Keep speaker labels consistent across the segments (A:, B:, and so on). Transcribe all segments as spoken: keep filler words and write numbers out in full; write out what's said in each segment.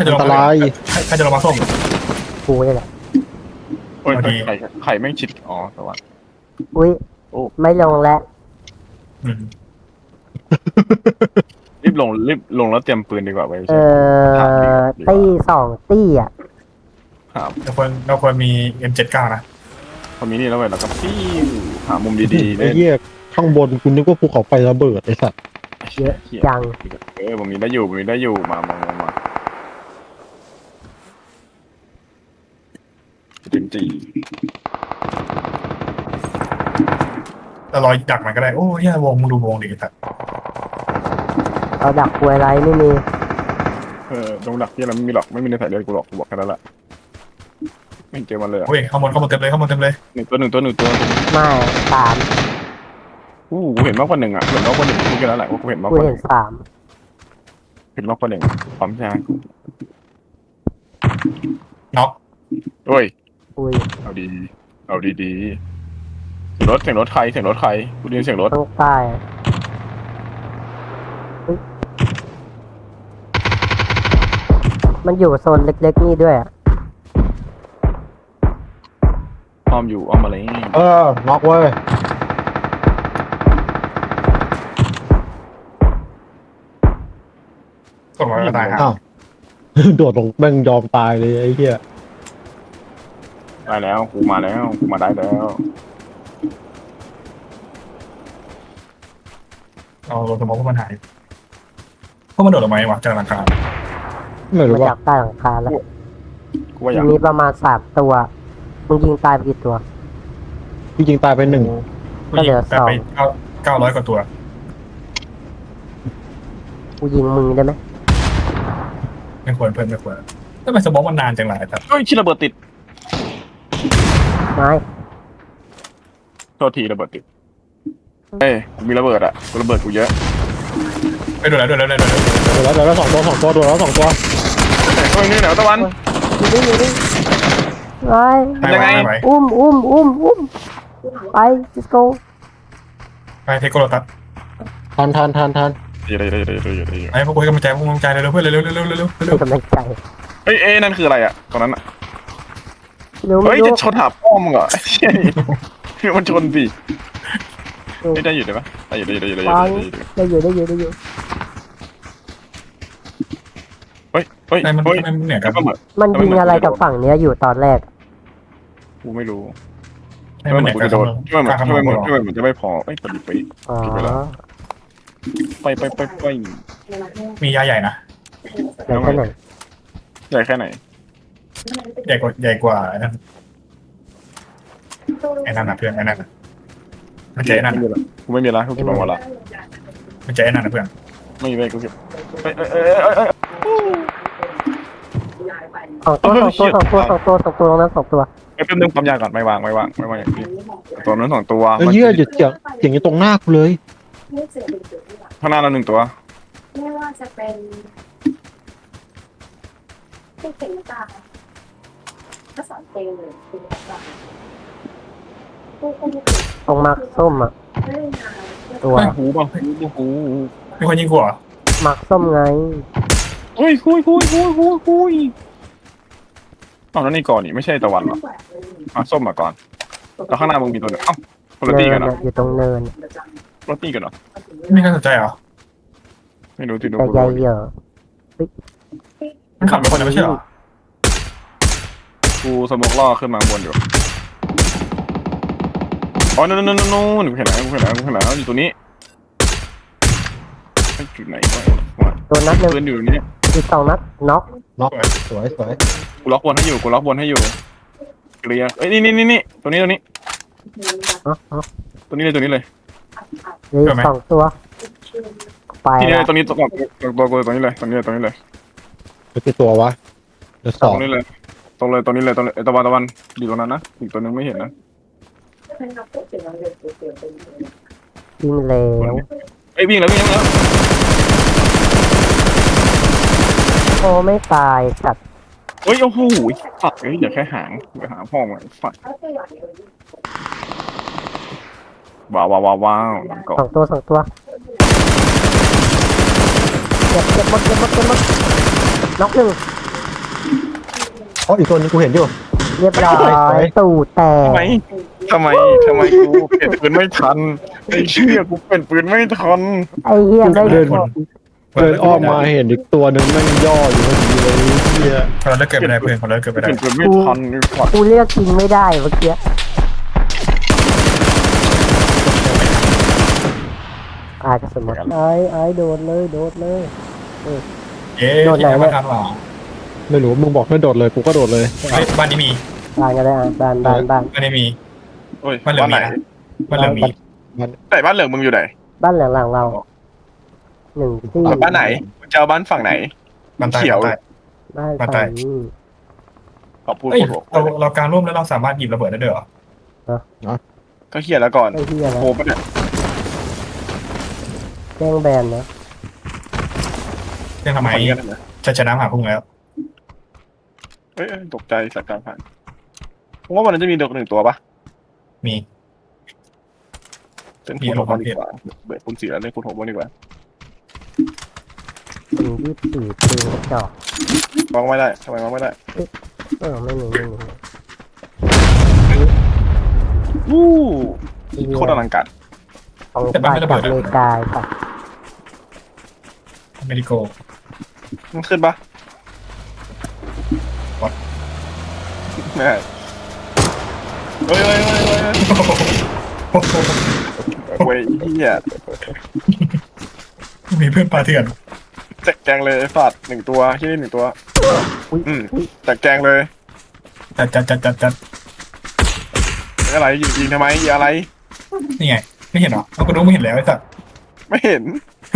A: อันตราย
B: ใครจะลงมาส้ม
C: กูนี่แหละ
D: โอ้ยไข่ไข่แม่งชิดอ๋อสวัสดี
C: อุ้ยไม่ลงแล้ว
D: รีบลงรีบลงแล้วเตรียมปืนดีกว่าไป
C: เออตี้สองตี้อ่ะ
D: ครับ
B: เราควรเราควรมี เอ็ม เจ็ดสิบเก้า นะ
D: พอมีนี่แล้วเว้ยเราก็ปิ้วหามุมดีๆ
A: ไอ้เหี้ยข้างบนคุณนึกว่าภูเขาไฟระเบิดไอ้สัตว์
C: เยอะจัง
D: เออผมมีได้อยู่ผมมีได้อยู่มามามามาจริงจริง
B: เราลอยดักมันก็ได้โอ้ยยวงมึงดูวงดิแต่
C: เราดักกลวยไรไม่มี
D: เออตรงดักที่เราไม่มีหรอกไม่มีในสายเลือดกูหรอกกูบอกแค่นั้นแหละไม่เจอมันเลย
B: โอ้ยข้างบนข้างบนเต็มเลยข้างบนเต็มเลย
D: หนึ่งตัวหนึ่งตัวหนึ่งตัว
C: ไม่สาม
D: อู้กูเห็นมากกว่าหนึ่งอ่ะเห็นมากกว่าหนึ่งกูแค่นั้นแหละว่ากูเห็นมากกว่า
C: กูเห็นสาม
D: เห็นมากกว่าหนึ่งพร้อมใช่ไหม
B: น็อก
D: โอ้ย
C: อุ้ย
D: เอาดีเอาดีดีเสียงรถเสียงรถใครเสียงรถใครกูได้ยินเสียงรถ
C: ต้องใต้มันอยู่โซนเล็กๆนี่ด้วย
D: อ้อมอยู่อ้อมมาเลย
A: เออน็อกเว้ย
B: กดไว้ก็ตาย
A: อ้าวโดดลงแม่งยอมตายเลยไอ้เหี้ย
D: ได้แล้วกูมาแล้วกูมาได้แล้ว
B: เอารถสมองพวกมันหายพวกมันโดดออกมาไหมวะจากหลังคา
A: ไม่รู้ว่า
C: จากใต้หลังคาแล้ว
D: กูว่าอย่าง
C: มีประมาณสามตัวมึงยิงตายไปกี่ตัว
A: พี่ยิงตายไปหนึ่ง
C: ก็เหลือสอง
B: เก้าเก้าร้อยกว่าตัว
C: กูยิงมึงได้ไหม
B: ไม่ควรเพิ่มไม่ควรทำไมสมองมันนานจังไรแต่
D: เฮ้ยชิระเบิดติด
C: ไม่
D: โทษทีระเบิดติดเฮ้ยมีระเบิดอ่ะระเบิดกูเยอะ
B: ไปดูแล้วดูแล้วดูแล้ว
A: ดูแล้วดูแล้วสองตัวสองตัวดูแล้วสองตัว
D: เฮ้ยนี่เหนวตะวัน
C: อยู่นี่อยู่นี่ไป
D: ยังไง
C: อุ้มอุ้มอุ้มอุ้มไป let's go
B: ไปเทโกโรตัส
A: ทันทันทันทัน
D: เดี๋ยวเดี๋ยวเดี๋ยวเดี๋ยวเดี๋ยว
B: ไอ้พวกกูให้กำลังใจพวกกำลังใจเร็วเพื่อนเร็วเร็วเร็วเร็วเร็วเร็ว
C: กำลังใจ
D: เฮ้ยเอ้นั่นคืออะไรอ่ะตอนนั้นอ่ะ
C: เฮ้
D: ยจะชนหาพ่อมึงเหรอมันชนสิไม่ได้อยู่ได้ปะได้อยู่ได้อยู่ได้อยู่ได้
C: อยู่ได้อยู่ได้อยู่
D: เฮ้ยเฮ้ย
B: มันมันเหนื่อยกัน
C: มันยิงอะไรกับฝั่งเนี้ยอยู่ตอนแรก
D: กูไม่รู้ทำไมเหมือนกูจะโดนทำไมเหมือนทำไมเหมือนทำไมเหมือนจะไม่พอเอ้ยปฏิไปไปไปไปไป
B: มียาใหญ่นะ
C: ใหญ่แค่ไหน
D: ใหญ่แค่ไหน
B: ใหญ่กว่าใหญ่กว่าไอ้นั่นไอ้นั่นนะเพื่อนไอ้นั่นมันเจ๊นั่น
D: กูไม่มีละกูเก็บมาหมดละ
B: มันเจ๊นั่นนะเพื่อน
D: ไม่มีเลยกูเก็บเอ้ยเอ้ยเอ้ยเอ้ยเอ้ย
C: สองตัวสองตัวสองตัวสองตัวสองตัวตรงนั้นสองตัว
D: ไอ้เพิ่มนึงความยากก่อนไม่วางไม่วางไม่วางอย่างนี้ตัวนั้นสองตัว
A: เฮ้ยเหี้ยหยุดเสียงเสียงอยู่ตรงหน้ากูเลย
D: ข้างหน้าเราหนึ่งตัว
E: ไม่ว่าจะเป็นที่เขียนตาก็สอนเตลเลยคือตา
C: ตรงมาร์คส้มอ่ะตัว
D: หูป่ะหูหู
B: มีคนยิงหัว
C: มาร์คส้มไง
D: คุยคุยคุยคุยคุยคุยอ๋อนั่นนี่ก่อนนี่ไม่ใช่ตะวันหรอมาส้มมาก่อนแล้วข้างหน้ามึงมีตัวหนึ่งเอ้าคนละตีกันเหรอ
C: อยู่ตรงเนิน
D: รถตีกันเหรอ
B: ไม่น่าสนใจเหรอ
D: ไม่รู้ที่ดู
C: ใหญ่เยอะ
B: มันขับไปคนเดียวไม่ใช่เหรอ
D: กูสมองล่อขึ้นมาบนอยู่อ๋อนู่นนู่นนู่นนู่นกูเห็นแล้วกูเห็นแล้วกูเห็นแล้วอยู่ตัวนี้ไอ้จุดไหนวะ
C: ตัวนัดหนึ่ง
D: ปืนอยู่นี่
C: อีกสองนัดน็อก
A: น็อกสวยสวย
D: กูล็อกบนให้อยู่กูล็อกบนให้อยู่เกลียเอ้ยนี่นี่นี่นี่ตัวนี้ตัวนี้ตัวนี้เลยตัวนี้เลย
C: เหลือสองตัวไป
D: ที่นี่ตัวนี้ตัวตัวตัวตัวนี้เลยตัวนี้เลยตัวนี้เลย
A: ไม่ใช่ตัววะเดี๋ยวสอง
D: ตรงนี้เลยตรงเลยตัวนี้เลยตรงตะวันตะวันอยู่ตรงนั้นนะอีกตัวนึงไม่เห็นนะ
C: วิ่งเร็ว
D: ไอ้วิ่งแล้ววิ่งแล้ว
C: โอ้ไม่ตายสัตว์
D: เฮ้ยโอ้โหฝักเฮ้ยอย่าแค่หางอย่าหาพ่อมาฝักว้าวว้าวว้าว
C: สองตัวสองตัวเก็บเก็บหมดเก็บหมดเก็บหมดน็อกหนึ่ง
A: อ๋ออีกตัวนึงกูเห็นอยู่
C: เรียบร้อ
A: ไป
C: ยตูดแต
D: ทำไม
C: ก
D: ทำไมทำไมกูเปลี่ยนปืนไม่ทันไอ้เชี่ยกูเปลี่ยนปืนไม่ทัน
C: ไอ้เหี้ยไม่
A: เดิน
C: บอก
A: เดินอ้อมมาเห็นอีกตัวหนึ่งแม่งย่ออยู่พอดีเลยเฮีย
B: เราเลิกเกิดไปได้เพื่อนเราเลิกเกิดไป
D: เป
B: ได้
D: ลี่ยนปืนไม่ทันไอ้สัตว์
C: กูเลือกยิงไม่ได้เมื่อกี้อาจจะสมมติไอ้ไอ้โดดเลยโดดเลย
B: เย้
C: โดนไหน
B: ที่
C: เนี่
B: มาย ทำหรอ
A: ไม่รู้มึงบอกให้โดดเลยกูก็โดดเลย
B: เฮ้ยบ้านนี้มี
C: บ้านก็ได้อ่ะบ้านบ้านบ้าน
B: บ้านนี้มี
D: โอ้ย
B: บ้านเหลือ
D: บ้าง น
B: มี
D: ไหน
B: นะบ้านเหลืองมี
D: ไหนบ้านเหลืองมึงอยู่ไหน
C: บ้านหลังหลังเราหนึ่งที่
D: เอาบ้านไหนมึงจะเอาบ้านฝั่งไหน
B: บ้านใต้
D: เขียว
B: บ้านใต้
C: บ้าน
B: บ้านใต้
C: ฝั่งนี้
D: ขอพูด
B: เอ้ย
D: พูด
B: เราเราการร่วมแล้วเราสามารถหยิบระเบิดได้ด้วยเหรอ
D: ก็เขียนแล้วก่อน
C: ไอ้เหี้ยนะ
D: โอ้ปะเนี่ย
C: แจ้งแบนนะ
B: เรื่องทำไม
D: คนกันนะ
B: จะชนะหาพุ่งแล้ว
D: เอ้ยเอ้ยตกใจสักการผ่านผมว่าวันนั้นจะมีดอกหนึ่งตัวปะ
B: มี
D: เล่นคูณหกวันดีกว่าเบิดคูณสี่แล้วเล่นคูณหกวันดีกว่า
C: ถึงยี่สิบสี่ปีกระจอก
D: วางไม่ได้ทำไมวางไม่ได้
C: เออไม่มีไม่มี
D: วู้
C: ไอ้เหี้ย
D: โคตรอลังการ
C: ของฝ่ายจากอเมริกาค่ะ
B: อเมริโก
D: มันขึ้นปะ
B: วัด
D: ไม่ได้เฮ้ยเฮ้ยเฮ้ยเฮ้ยเฮ้ย
B: โอ้โห
D: เว้ยเฮีย
B: มีเพื่อนปลาเถื่อน
D: แจกแกงเลยไอ้สัตว์หนึ่งตัวที่นี่หนึ่งตัว
C: อุ้ย
D: อืม
C: อุ้ย
D: แจกแกงเลย
B: จัดจัดจัดจัดจัด
D: อะไรยิงยิงทำไมยิงอะไร
B: นี่ไงไม่เห็นเหรอเอากระดูกไม่เห็นแล้วไอ้สัตว์
D: ไม่เห็น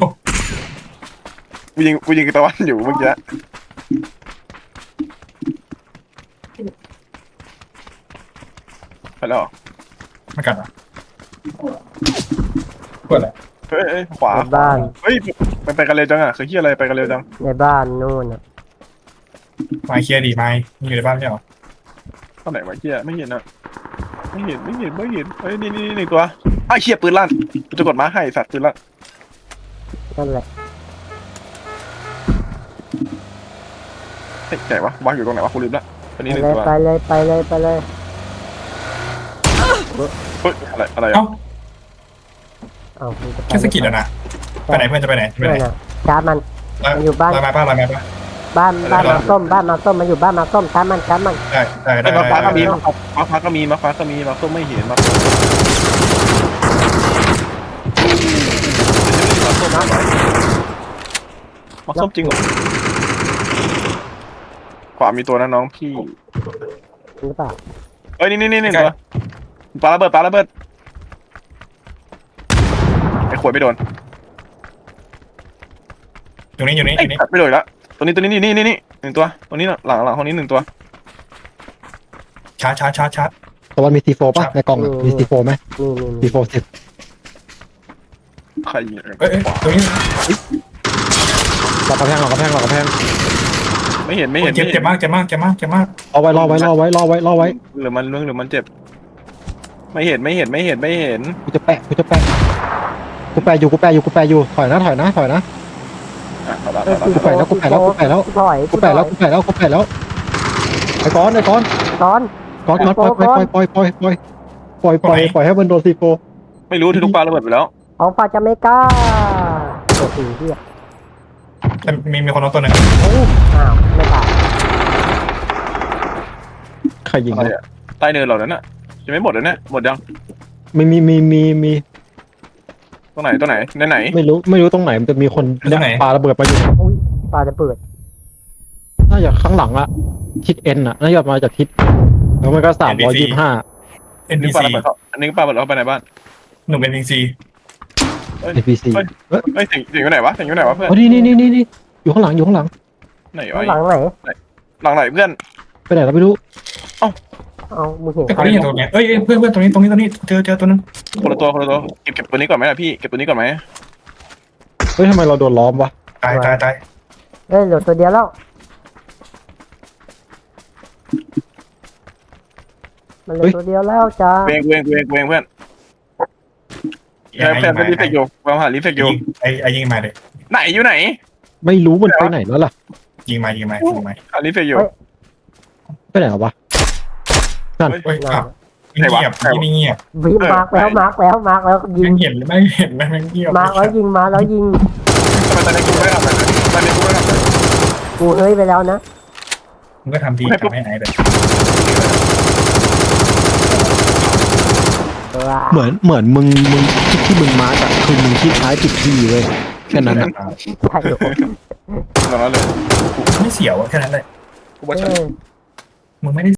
D: กูยิงกูยิงตะวันอยู่เมื่อกี้ไปแล้วเหรอ
B: ไม่กัดเหรอเปิดอะไร
D: เฮ้ยเฮ้ยขวา
C: ในบ้าน
D: เฮ้ยมันไปกันเร็วจังอ่ะคือเฮียอะไรไปกันเร็วจัง
C: ในบ้านนู่นอ่ะ
B: ไม้เคลียร์ดีไม้มึงอยู่ในบ้านไม่ใช่เหรอ
D: ตอนไหนวะเฮียไม่เห็นอ่ะไม่เห็นไม่เห็นไม่เห็นเฮ้ยนี่นี่นี่หนึ่งตัวไอ้เฮียปืนลั่นกูจะกดม้าให้สัตว์ปืนลั่น
C: นั่นแหละ
D: เฮ้ยไหนวะวางอยู่ตรงไหนวะกูลืมละตัว
C: ไป
D: นี้หนึ่ง
C: เลย
D: ตัว
C: ไปเลยไปเลยไปเลย
D: เฮ้ยอะไรอะไร
B: เอ้า
D: อ่ะ
C: เอาคุณจะไป
B: แค่สกิดแล้วนะไปไหนเพื่อนจะไปไหนไป
C: เพื่
B: ไห
C: อน นอ่ะชาร์จมัน มันอยู่บ้าน
B: ลอยมาป้าลอยมาป้า
C: บ้านบ้านมาส้มบ้านมาส้มมันอยู่บ้านมาส้มชาร์จมันชาร์จมัน
B: ได้ได้ได้
D: ไอ้มาฟ้าก็มี
B: ได้
D: มาฟ้าก็มีมาฟ้าก็มีมาส้มไม่เห็นมาส้มมาส้มจริงเหรอขวามีตัวนะน้องพี่
C: หรือเปล่า
D: เอ้ยนี่นี่นี่นี่ตัวปาระเบิดปาระเบิดไอ้ขวดไม่โดน
B: อยู่นี่อยู่นี่อ
D: ไอ้
B: ยู่นี่
D: ไม่โดนอีกแล้วตัวนี้ตัวนี้นี่นี่นี่นี่หนึ่งตัวตัวนี้น่ะหลังหลังห้องนี้หนึ่งตัว
B: ชาร์จชาร์จชาร์จชาร์จ
A: ตะวันมีซีโฟป่ะในกล่องอะมีซีโฟไหม
C: นี่นี่
A: ซี
C: นี่
A: โฟสิบ
D: ใครยิง
B: เอ้ยเอ้ยตรงนี้
A: หลอกกระแพงหลอกกระแพงหลอกกระแพง
D: ไม่เห็นไม่เห็น
B: เจ็บเจ็บมากเจ็บมากเจ็บมากเจ็บมาก
A: รอไว้รอไว้รอไว้รอไว้รอไว้
D: หรือมันเรื่องหรือมันเจ็บ ไม่เห็นไม่เห็นไม่เห็นไม่เห็น
A: กูจะแปะกูจะแปะกูแปะอยู่กูแปะอยู่กูแปะอยู่ถอยนะถอยนะถอยนะ
D: อ่ะเอาละ
C: เอ้ย
D: เอาละ
A: กูแปะแล้วกูแปะแล้วกูแปะแล้ว
C: ถอย
A: กูแปะแล้วกูแปะแล้วกูแปะแล้วไอ้ก้อนไอ้ก้อน
C: ตอน
A: ก้อนก้อนปล่อยปล่อยปล่อยปล่อยปล่อยปล่อยปล่อยปล่อยให้มันโดนซีโฟ
D: ไม่รู้ที่ลูกปลาระเบิดไปแล้ว
C: ของฝ่ายจากอเมริกาโอ้โหเหี้ย
B: แต่มีมีคนน้องตัวหนึ่ง
C: โอ้อ้าวไม่ตาย
A: ใครยิง
D: อะไรอ่ะใต้เนินเหล่านั้นอ่ะยังไม่หมดเลยเนี่ยหมดยัง
A: มีมีมีมีมี
D: ตรงไหนตรงไหนในไหน
A: ไม่รู้ไม่รู้ตรงไหนมันจะมีคนเนี่ยปาระเบิดมาอยู่
C: อุ้ยปลาจะเปิด
A: น่าจะข้างหลังอะทิศเอ็นอะน่าจะมาจากทิศแล้วมันก็สามร้อยยี่สิบห้า
B: เอ็น
D: นึ
B: บี
D: กปลา
B: ซี
D: ระเบิดเขาอันนี้ปลาระเบิดเขาไปไหนบ้าน
B: หนุ่มเอ็นบีซี
A: เอพีซี
D: เอ้ยถึงถึงอยู่ไหนวะถึงอยู่ไหนวะเพื่อน
A: อ๋อนี่นี่นี่นี่นี่อยู่ข้างหลังอยู่ข้างหลัง
D: ไหน
C: ข้าง
D: วะ
C: หลังไหน
D: หลังไหนเพื่อน
A: ไปไหนเราไม่รู้
C: เอามึงเห็น
B: ไอ้
C: ใค
B: ค
C: ร
B: นนี้อยู่ตรงเนี้ยเอ้ยเอ้ยเพื่อนเพื่อนตรงนี้ตรงนี้ตรงนี้เจอเจอตัวนึง
D: คนละตัวคนละตัวเก็บเก็บตัวนี้ก่อนไหมล่ะพี่เก็บตัวนี้ก่อนไหม
A: เฮ้ยทำไมเราโดนล้อมวะ
B: ตายตายตาย
C: เอ้ยเหลือตัวเดียวแล้วมันเหลือตัวเดียวแล้วจ้า
D: เวงเวงเวงเวงเพื่อนแฟนเป็นรีเฟกอยู่วางหารีเฟกอยู่
B: ไอ้ไอ้ยิงมาเลย
D: ไหนอยู่ไหน
A: ไม่รู้มันไปไหนแล้วล่ะ
B: ยิงมายิงมายิงมา
D: หารีเฟกอยู่
A: ไปไหนวะ
B: เฮ้ยขับเงียบที่นี่เงียบ
C: วิมาร์กแล้วมาร์กแล้วมาร์กแล้วยิ
B: ยัง งเห็นหรือไม่เห็นไหมมันเงียบ
C: มาร์กแล้วยิงมาแล้วยิง
D: ทำไมตอนนี้กูไม่ทำอะไรเลยตอนนี้กูไม่ทำอะไร
C: กูเฮ้ยไปแล้วนะ
B: มึงก็ทำดีทำให้ไอ้เลย
A: เหมือนเหมือนมึงมึงที่ที่มึงมาร์กอะคือมึงที่ท้ายผิดที่เลยแค่นั้นอะ
C: ใช่เหรอ
D: ตอนนั้นเลย
B: ไม่เสียวแค่นั้นเลย
D: กูว่า
C: เอ
D: ฉัน
C: อ
B: มึงไม่ได้